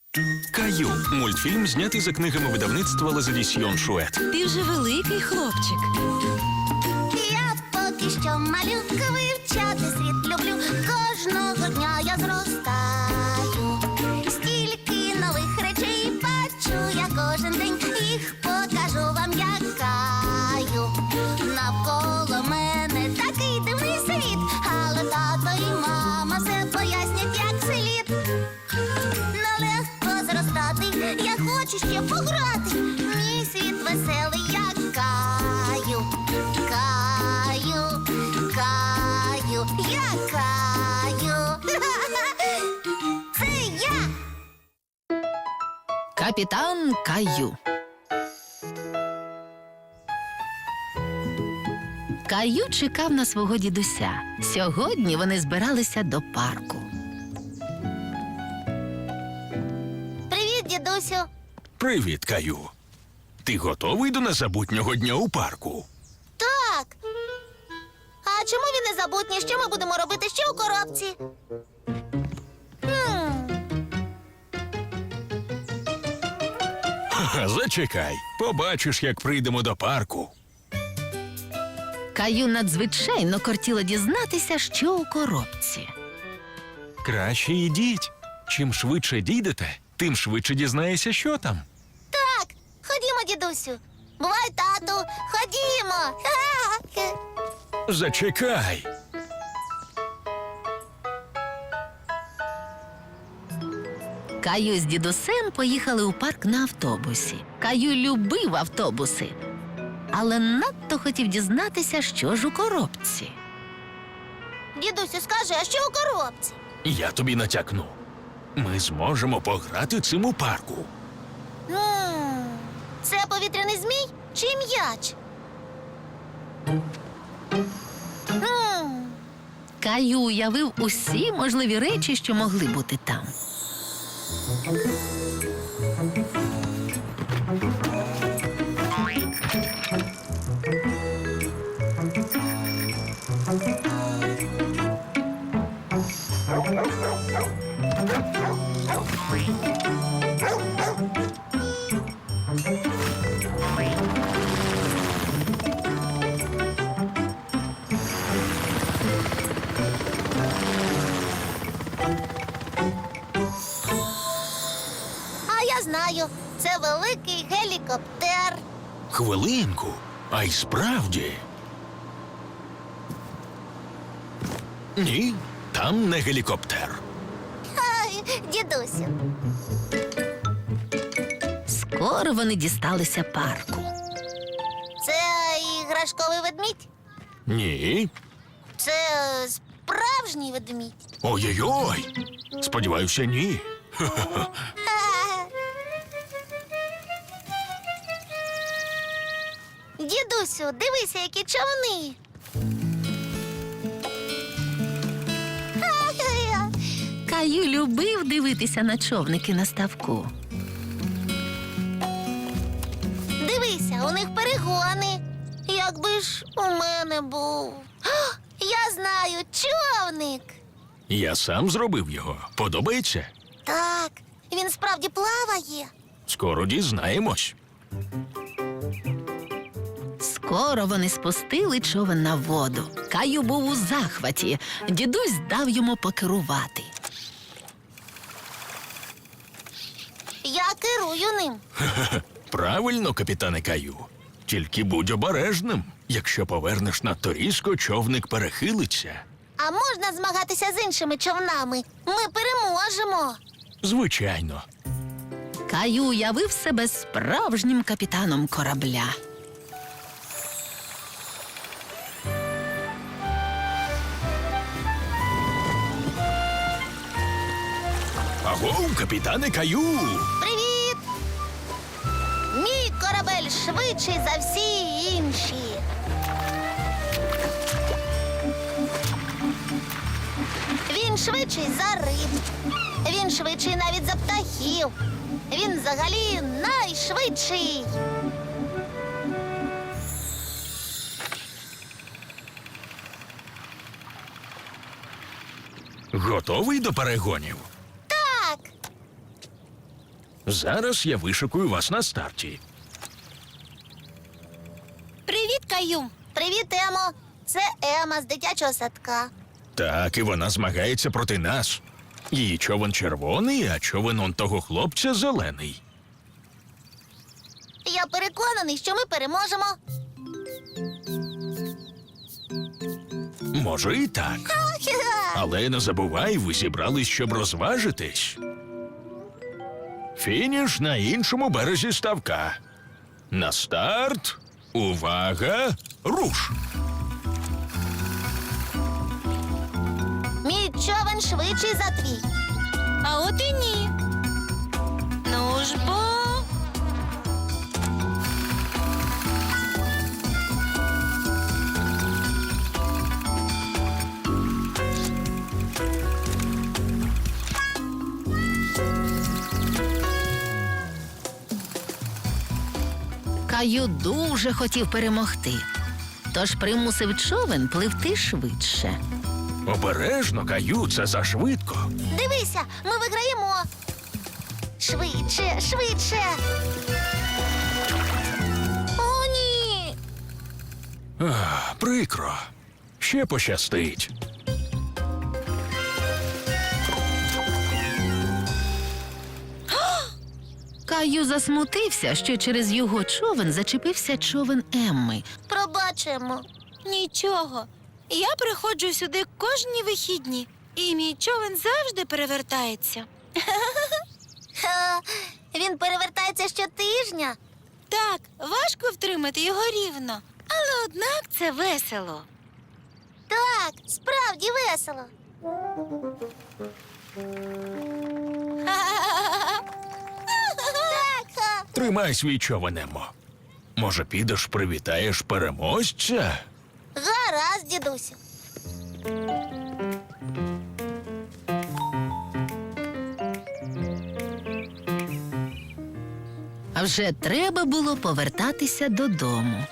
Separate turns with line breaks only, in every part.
Каю. Мультфільм знятий за книгами видавництва Лазадісьйон Шует.
Ти вже великий хлопчик.
Я поки що малюка, вивчати світ люблю. Кожного дня я зростаю. Стільки нових речей бачу я кожен день. Їх покажу вам, як Каю. Навколо мене такий дивний світ, але тато і мама все пояснять, як слід. Нелегко зростати, я хочу ще пограти. Мій світ веселий, як Каю. Каю, Каю, я Каю. Це я.
Капітан Каю. Каю чекав на свого дідуся. Сьогодні вони збиралися до парку.
Привіт, дідусю.
Привіт, Каю. Ти готовий до незабутнього дня у парку?
Так. А чому він незабутній? Що ми будемо робити ще у коробці?
Ха-ха, зачекай. Побачиш, як прийдемо до парку.
Каю надзвичайно кортіло дізнатися, що у коробці.
Краще йдіть. Чим швидше дійдете, тим швидше дізнаєшся, що там.
Так, ходімо, дідусю. Бувай, тату, ходімо.
Зачекай.
Каю з дідусем поїхали у парк на автобусі. Каю любив автобуси, але надто хотів дізнатися, що ж у коробці.
Дідусю, скажи, а що у коробці?
Я тобі натякну. Ми зможемо пограти цим у парку.
Це повітряний змій чи м'яч?
Каю уявив усі можливі речі, що могли бути там.
А я знаю, це великий гелікоптер.
Хвилинку. А й справді. Ні, там не гелікоптер.
Ай, дідусю.
Скоро вони дісталися парку.
Це іграшковий ведмідь?
Ні.
Це справжній ведмідь.
Ой-ой-ой. Сподіваюся, ні.
Дідусю, дивися, які човни.
Каю любив дивитися на човники на ставку.
Дивися, у них перегони. Якби ж у мене був. Я знаю, човник.
Я сам зробив його. Подобається?
Так, він справді плаває.
Скоро дізнаємось.
Скоро вони спустили човен на воду. Каю був у захваті. Дідусь дав йому покерувати.
Я керую ним.
Правильно, капітане Каю. Тільки будь обережним. Якщо повернеш надто різко, човник перехилиться.
А можна змагатися з іншими човнами? Ми переможемо.
Звичайно.
Каю уявив себе справжнім капітаном корабля.
Агов, капітане Каю!
Привіт! Мій корабель швидший за всі інші. Він швидший за риб. Він швидший навіть за птахів. Він взагалі найшвидший.
Готовий до перегонів?
Так.
Зараз я вишикую вас на старті.
Привіт, Каю. Привіт, Емо. Це Ема з дитячого садка.
Так, і вона змагається проти нас. Її човен червоний, а човен он того хлопця зелений.
Я переконаний, що ми переможемо.
Може і так. Але не забувай, ви зібрались, щоб розважитись. Фініш на іншому березі ставка. На старт. Увага! Руш!
Мій човен швидший за твій.
А от і ні. Ну ж бо.
Каю дуже хотів перемогти, тож примусив човен пливти швидше.
Обережно, Каю, це зашвидко.
Дивися, ми виграємо. Швидше, швидше. О, ні.
Ах, прикро. Ще пощастить.
Каю засмутився, що через його човен зачепився човен Емми.
Пробачимо.
Нічого. Я приходжу сюди кожні вихідні, і мій човен завжди перевертається.
Ха, він перевертається щотижня.
Так, важко втримати його рівно, але однак це весело.
Так, справді весело. Так, ха.
Тримай свій човен, Емо. Може, підеш привітаєш переможця?
Гаразд, дідусю.
А вже треба було повертатися додому.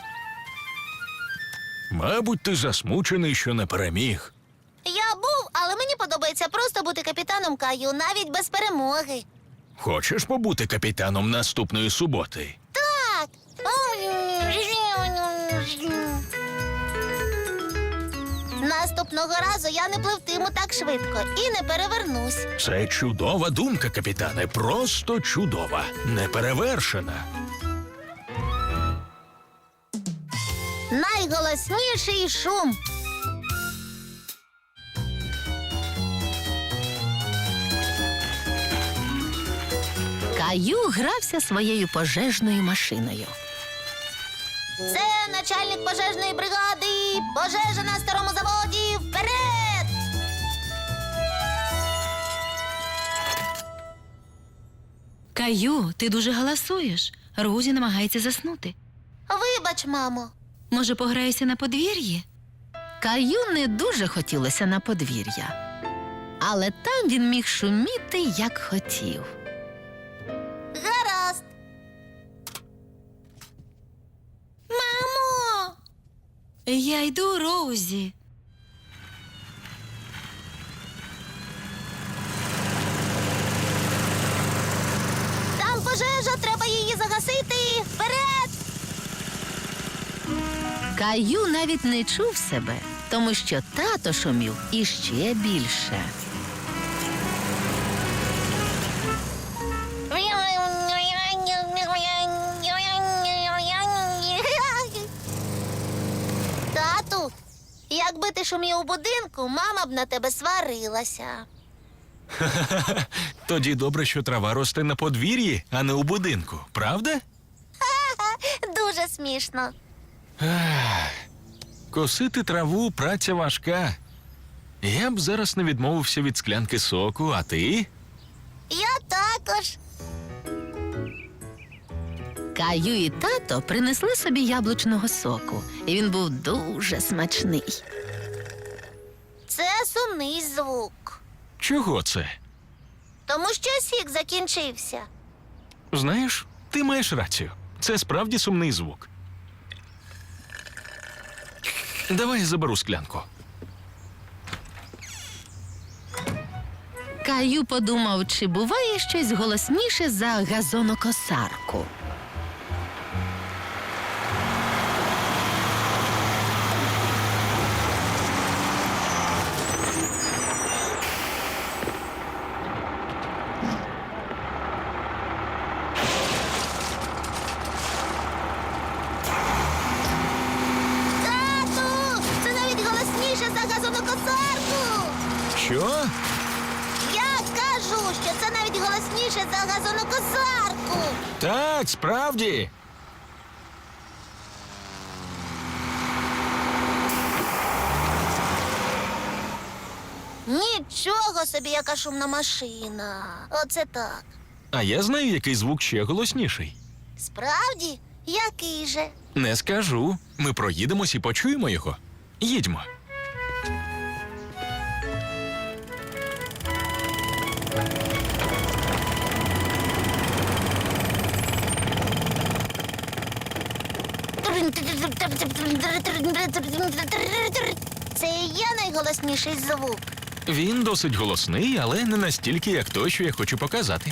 Мабуть, ти засмучений, що не переміг.
Я був, але мені подобається просто бути капітаном Каю, навіть без перемоги.
Хочеш побути капітаном наступної суботи?
Так. Наступного разу я не пливтиму так швидко і не перевернусь.
Це чудова думка, капітане, просто чудова, неперевершена.
Найголосніший шум.
Каю грався своєю пожежною машиною.
Це начальник пожежної бригади. Пожежа на старому заводі. Вперед!
Каю, ти дуже галасуєш. Розі намагається заснути.
Вибач, мамо.
Може, пограєшся на подвір'ї?
Каю не дуже хотілося на подвір'я, але там він міг шуміти, як хотів.
Гаразд.
Мамо! Я йду, Роузі.
Там пожежа, треба її загасити. Вперед!
Каю навіть не чув себе, тому що тато шумів іще більше.
Тату, якби ти шумів у будинку, мама б на тебе сварилася.
Тоді добре, що трава росте на подвір'ї, а не у будинку, правда?
Дуже смішно.
Косити траву праця важка. Я б зараз не відмовився від склянки соку, а ти?
Я також.
Каю і тато принесли собі яблучного соку, і він був дуже смачний.
Це сумний звук.
Чого це?
Тому що сік закінчився.
Знаєш, ти маєш рацію. Це справді сумний звук. Давай я заберу склянку.
Каю подумав, чи буває щось голосніше за газонокосарку.
Тату! Це навіть голосніше за газонокосарку!
Що?
Я кажу, що це навіть голосніше за газонокосарку!
Так, справді.
Нічого собі, яка шумна машина. Оце так.
А я знаю, який звук ще голосніший.
Справді? Який же?
Не скажу. Ми проїдемось і почуємо його. Їдьмо.
Це і є найголосніший звук.
Він досить голосний, але не настільки, як той, що я хочу показати.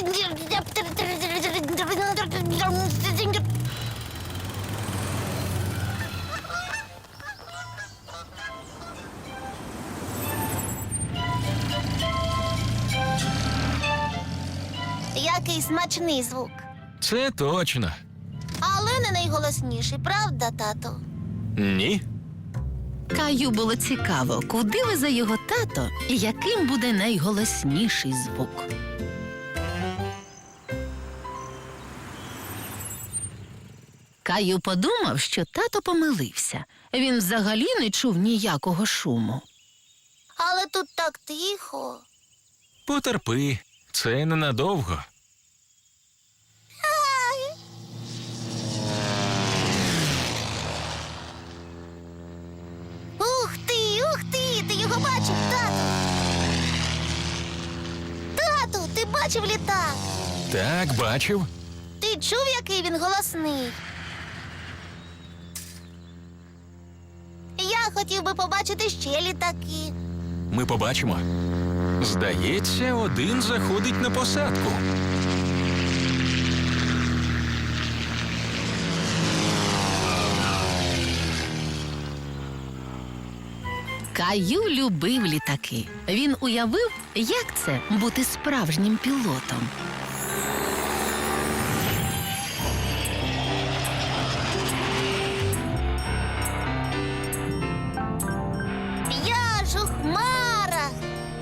Який смачний звук.
Це точно.
Але не найголосніший, правда, тато?
Ні.
Каю було цікаво, куди везе його тато і яким буде найголосніший звук. Каю подумав, що тато помилився. Він взагалі не чув ніякого шуму.
Але тут так тихо.
Потерпи. Це ненадовго.
Ух ти, ти його бачив, тату. Тату, ти бачив літак?
Так, бачив.
Ти чув, який він голосний? Я хотів би побачити ще літаки.
Ми побачимо. Здається, один заходить на посадку.
Каю любив літаки. Він уявив, як це бути справжнім пілотом.
Я ж у хмарах.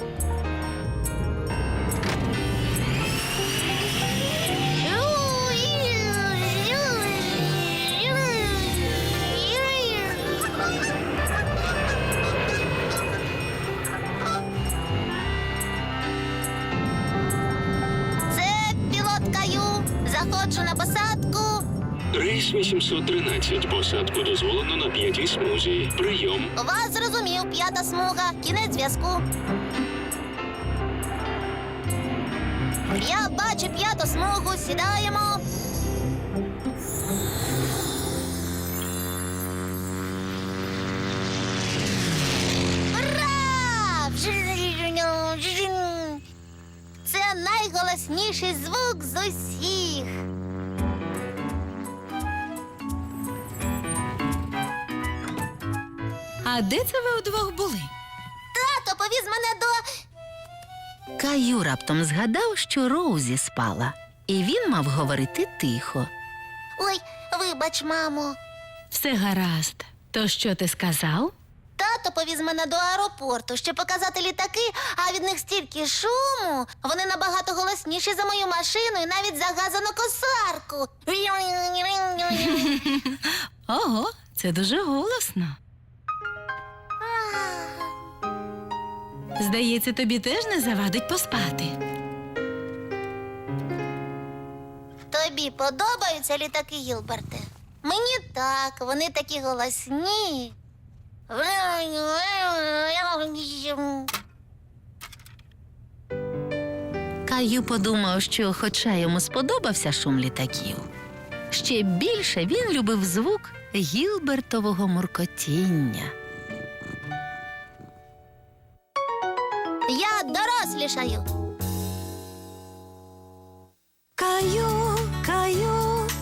Це пілот Каю. Заходжу на посадку.
Рейс 813. Посадку дозволено на 5-й смузі. Прийом.
Вас зрозумів, 5-та смуга. Кінець зв'язку. Я бачу 5-ту смугу. Сідаємо. Ура! Це найголосніший звук з усіх.
А де це ви удвох були?
Тато повіз мене до...
Каю раптом згадав, що Роузі спала, і він мав говорити тихо.
Ой, вибач, мамо.
Все гаразд. То що ти сказав?
Тато повіз мене до аеропорту, щоб показати літаки, а від них стільки шуму. Вони набагато голосніші за мою машину і навіть за газонокосарку.
Ого, це дуже голосно. Здається, тобі теж не завадить поспати.
Тобі подобаються літаки, Гілберте? Мені так, вони такі голосні.
Каю подумав, що хоча йому сподобався шум літаків, ще більше він любив звук Гілбертового муркотіння.
Я дорослішаю.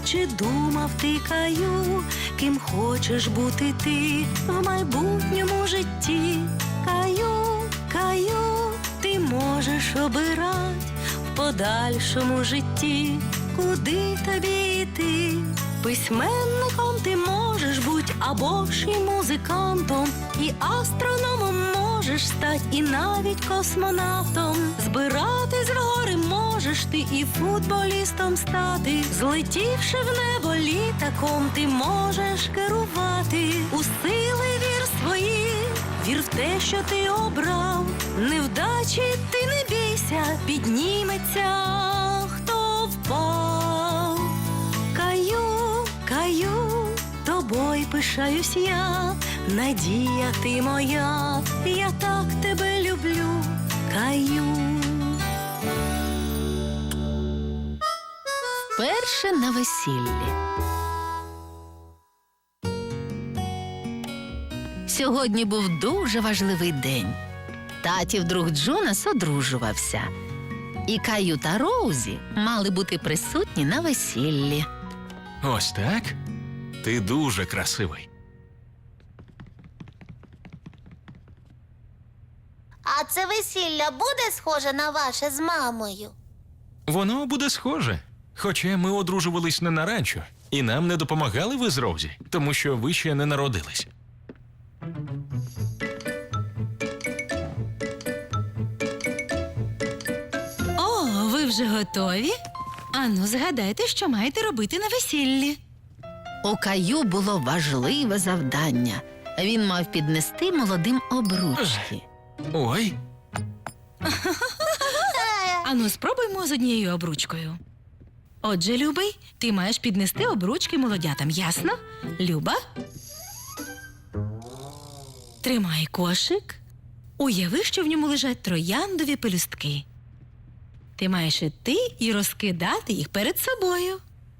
Чи думав ти, Каю, ким хочеш бути ти в майбутньому житті? Каю, Каю, ти можеш обирать в подальшому житті, куди тобі йти. Письменником ти можеш бути, або ж і музикантом, і астрономом можеш стать, і навіть космонавтом. Збиратись в гори можеш ти, і футболістом стати. Злетівши в небо літаком, ти можеш керувати. У сили вір свої, вір в те, що ти обрав. Невдачі ти не бійся, підніметься, хто впав. Каю, Каю, тобою пишаюсь я, надія ти моя, я так тебе люблю, Каю.
Перше на весіллі. Сьогодні був дуже важливий день. Татів друг Джонас одружувався. І Каю та Роузі мали бути присутні на весіллі.
Ось так? Ти дуже красивий.
А це весілля буде схоже на ваше з мамою?
Воно буде схоже. Хоча ми одружувались не на ранчо, і нам не допомагали ви з Роузі, тому що ви ще не народились.
О, ви вже готові? Ану, згадайте, що маєте робити на весіллі.
У Каю було важливе завдання. Він мав піднести молодим обручки.
Ой,
Ану, спробуймо з однією обручкою. Отже, Любий, ти маєш піднести обручки молодятам, ясно? Люба? Тримай кошик. Уяви, що в ньому лежать трояндові пелюстки. Ти маєш іти і розкидати їх перед собою.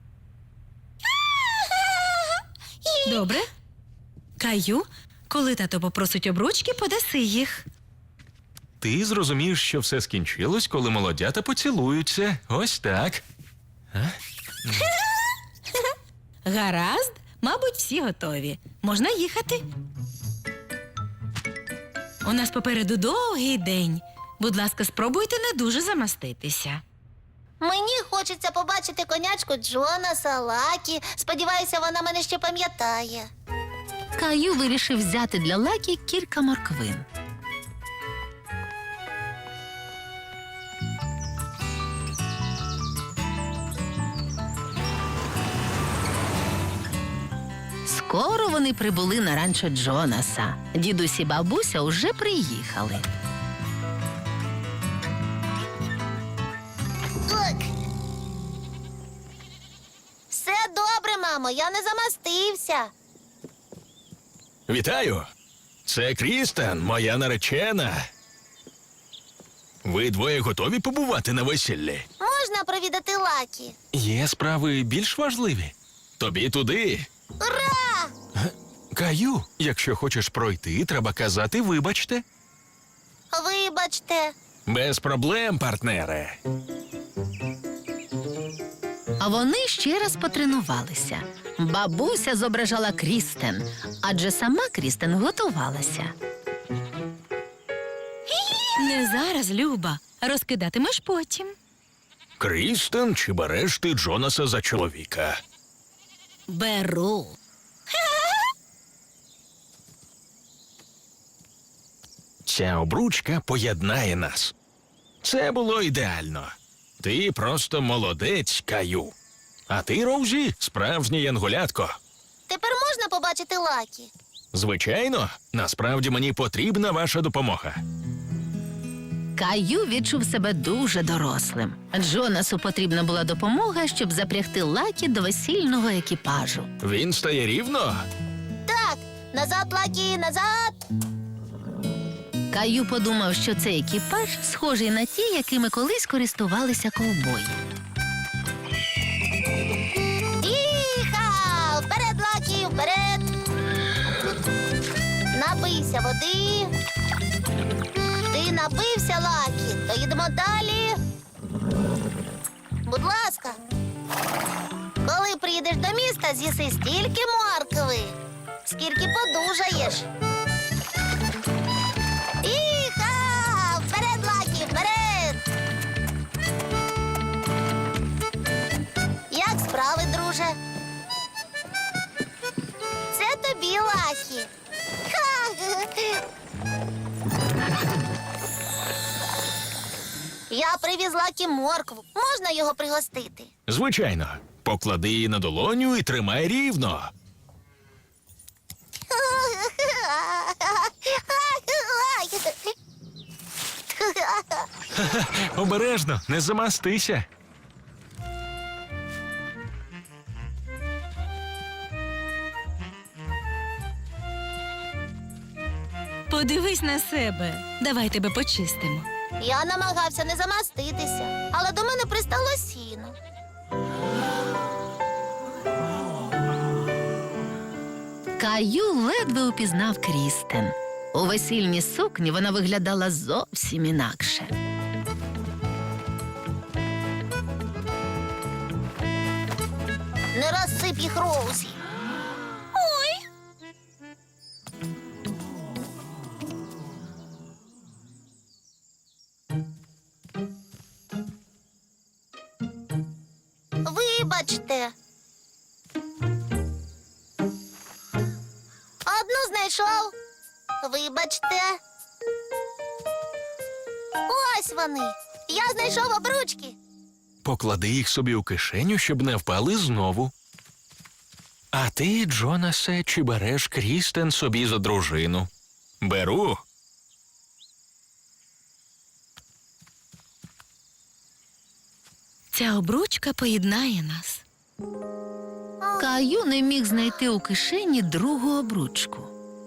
Добре? Каю, коли тато попросить обручки, подаси їх.
ти зрозумієш, що все скінчилось, коли молодята поцілуються. Ось так.
Гаразд, мабуть, всі готові. Можна їхати. У нас попереду довгий день. Будь ласка, спробуйте не дуже замаститися.
Мені хочеться побачити конячку Джонаса, Лакі. Сподіваюся, вона мене ще пам'ятає.
Каю вирішив взяти для Лакі кілька морквин. Скоро вони прибули на ранчо Джонаса. Дідусь і бабуся уже приїхали.
Так. Все добре, мамо, я не замастився.
Вітаю! Це Крістен, моя наречена. Ви двоє готові побувати на весіллі?
Можна провідати Лакі?
Є справи більш важливі. Тобі туди.
Ура!
Каю, якщо хочеш пройти, треба казати «вибачте».
Вибачте.
Без проблем, партнере.
А вони ще раз потренувалися. Бабуся зображала Крістен, адже сама Крістен готувалася.
Не зараз, Люба. Розкидатимеш потім.
Крістен, чи береш ти Джонаса за чоловіка?
Беру.
Ця обручка поєднає нас. Це було ідеально. Ти просто молодець, Каю. А ти, Роузі, справжнє янголятко.
Тепер можна побачити Лакі?
Звичайно, насправді мені потрібна ваша допомога.
Каю відчув себе дуже дорослим. Джонасу потрібна була допомога, щоб запрягти Лакі до весільного екіпажу.
Він стає рівно?
Так, назад, Лакі, назад.
Каю подумав, що цей екіпаж схожий на ті, якими колись користувалися ковбої.
Іха! Вперед, Лакі, вперед! Напийся води. Ти напився, Лакі, то їдемо далі. Будь ласка. Коли приїде та з'їси стільки моркви, скільки подужаєш. Іха! Вперед, Лакі, вперед! Як справи, друже? Це тобі, Лакі. Ха! Я привіз Лакі моркву. Можна його пригостити?
Звичайно, поклади її на долоню і тримай рівно. Обережно, не замастися.
Подивись на себе. Давай тебе почистимо.
Я намагався не замаститися, але до мене пристало сіно.
Каю ледве упізнав Крістен. У весільній сукні вона виглядала зовсім інакше.
Не розсип їх, Роузі. Вибачте. Одну знайшов. Вибачте. Ось вони. Я знайшов обручки.
Поклади їх собі у кишеню, щоб не впали знову. А ти, Джонасе, чи береш Крістен собі за дружину? Беру.
Ця обручка поєднає нас.
Каю не міг знайти у кишені другу обручку.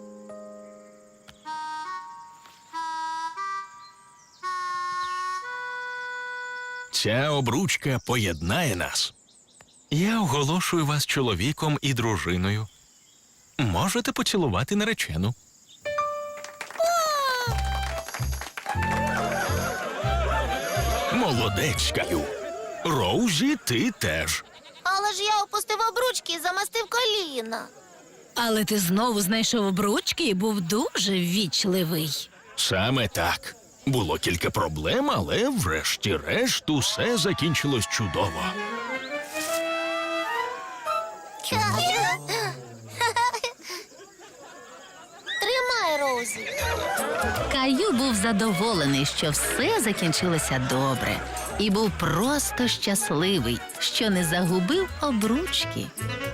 Ця обручка поєднає нас. Я оголошую вас чоловіком і дружиною. Можете поцілувати наречену. Молодець, Каю. Роузі, ти теж.
Але ж я опустив обручки і замастив коліна.
Але ти знову знайшов обручки і був дуже ввічливий.
Саме так. Було кілька проблем, але врешті-решт усе закінчилось чудово.
Тримай, Роузі.
Каю був задоволений, що все закінчилося добре, і був просто щасливий, що не загубив обручки.